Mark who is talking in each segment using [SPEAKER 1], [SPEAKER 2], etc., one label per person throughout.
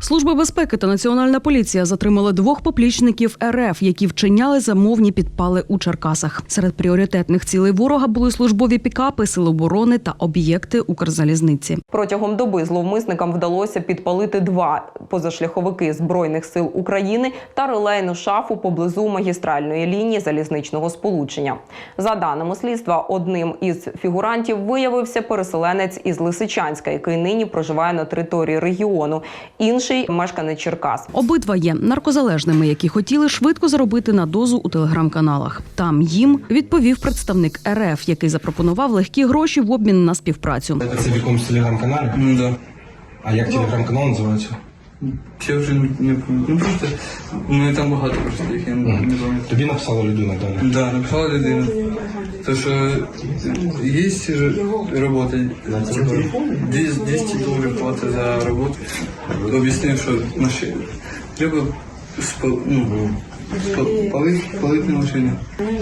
[SPEAKER 1] Служба безпеки та Національна поліція затримали 2 поплічників РФ, які вчиняли замовні підпали у Черкасах. Серед пріоритетних цілей ворога були службові пікапи, сили оборони та об'єкти Укрзалізниці.
[SPEAKER 2] Протягом доби зловмисникам вдалося підпалити 2 позашляховики Збройних сил України та релейну шафу поблизу магістральної лінії залізничного сполучення. За даними слідства, одним із фігурантів виявився переселенець із Лисичанська, який нині проживає на території регіону. Інший – мешканець Черкас.
[SPEAKER 1] Обидва є наркозалежними, які хотіли швидко заробити на дозу у телеграм-каналах. Там їм відповів представник РФ, який запропонував легкі гроші в обмін на співпрацю.
[SPEAKER 3] Це в якомусь телеграм-каналі?
[SPEAKER 4] Ну да.
[SPEAKER 3] А як телеграм-канал називається?
[SPEAKER 4] Я вже не пам'ятаю. Ну просто, ну там багато просто їх, я не пам'ятаю.
[SPEAKER 3] Тобі написала людина, так?
[SPEAKER 4] Да, написала людина. То, що є робота, $200 плата за роботу. Об'яснив, що треба палити машину.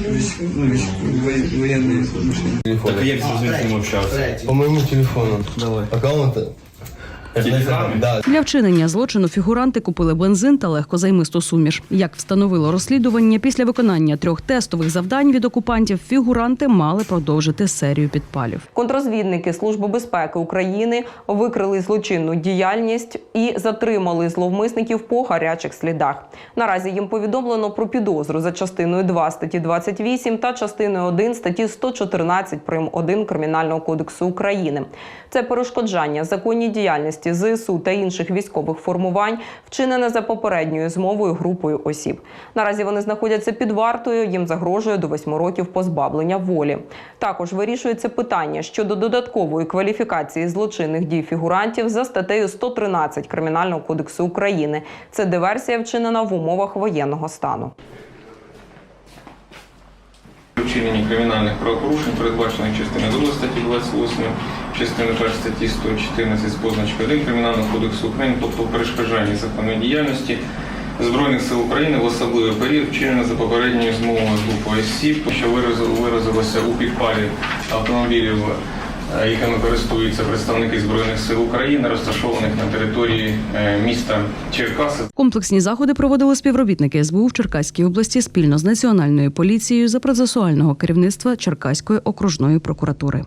[SPEAKER 4] Воєнні машини.
[SPEAKER 5] Так як з ним общався?
[SPEAKER 3] По моєму телефону.
[SPEAKER 4] Давай.
[SPEAKER 3] Аккаунт? Да.
[SPEAKER 1] Для вчинення злочину фігуранти купили бензин та легкозаймисту суміш. Як встановило розслідування, після виконання 3 тестових завдань від окупантів фігуранти мали продовжити серію підпалів.
[SPEAKER 2] Контрозвідники Служби безпеки України викрили злочинну діяльність і затримали зловмисників по гарячих слідах. Наразі їм повідомлено про підозру за частиною 2 статті 28 та частиною 1 статті 114 прим. 1 Кримінального кодексу України. Це перешкоджання законній діяльності ЗСУ та інших військових формувань, вчинене за попередньою змовою групою осіб. Наразі вони знаходяться під вартою, їм загрожує до 8 років позбавлення волі. Також вирішується питання щодо додаткової кваліфікації злочинних дій фігурантів за статтею 113 Кримінального кодексу України. Це диверсія, вчинена в умовах воєнного стану.
[SPEAKER 6] Вчинення кримінальних правопорушень, передбачених частиною 2 статті 28, частиною 1 статті 114 з позначкою 1 Кримінального кодексу України, тобто перешкоджання законної діяльності Збройних сил України в особливий період, вчинено за попередньою змовою групою осіб, що виразилося у підпалі автомобілів, якими користуються представники Збройних сил України, розташованих на території міста Черкаси.
[SPEAKER 1] Комплексні заходи проводили співробітники СБУ в Черкаській області спільно з Національною поліцією за процесуального керівництва Черкаської окружної прокуратури.